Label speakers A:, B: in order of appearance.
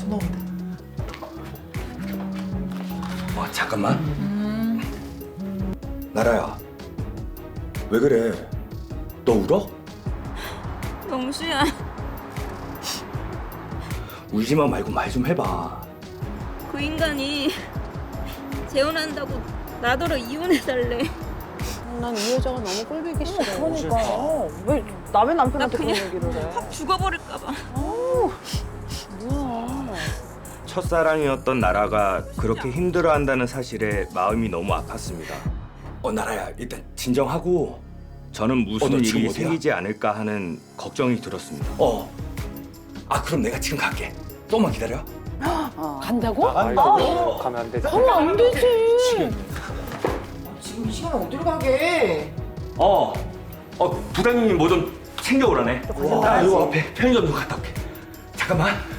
A: 넣으면
B: 잠깐만. 나라야, 왜 그래? 너 울어?
C: 영수야.
B: 울지마 말고 말 좀 해봐.
C: 그 인간이 재혼한다고 나더러 이혼해달래.
D: 난 이 여자가 너무 꼴보기 싫어.
A: 그러니까 왜 남의 남편한테
C: 나
A: 그런
C: 그냥
A: 얘기를 해?
C: 확 죽어버릴까봐.
D: 뭐야.
E: 첫사랑이었던 나라가 그렇게 힘들어한다는 사실에 마음이 너무 아팠습니다.
B: 나라야, 일단 진정하고.
E: 저는 무슨
B: 너 지금
E: 일이
B: 어디야?
E: 생기지 않을까 하는 걱정이 들었습니다.
B: 그럼 내가 지금 갈게. 조금만 기다려.
D: 간다고?
F: 가면 안 되지.
D: 가면 안 되지.
A: 지금 이 시간에 어디로 가게?
E: 부장님이 뭐 좀 챙겨오라네.
B: 나 요 앞에 편의점 좀 갔다 올게. 잠깐만.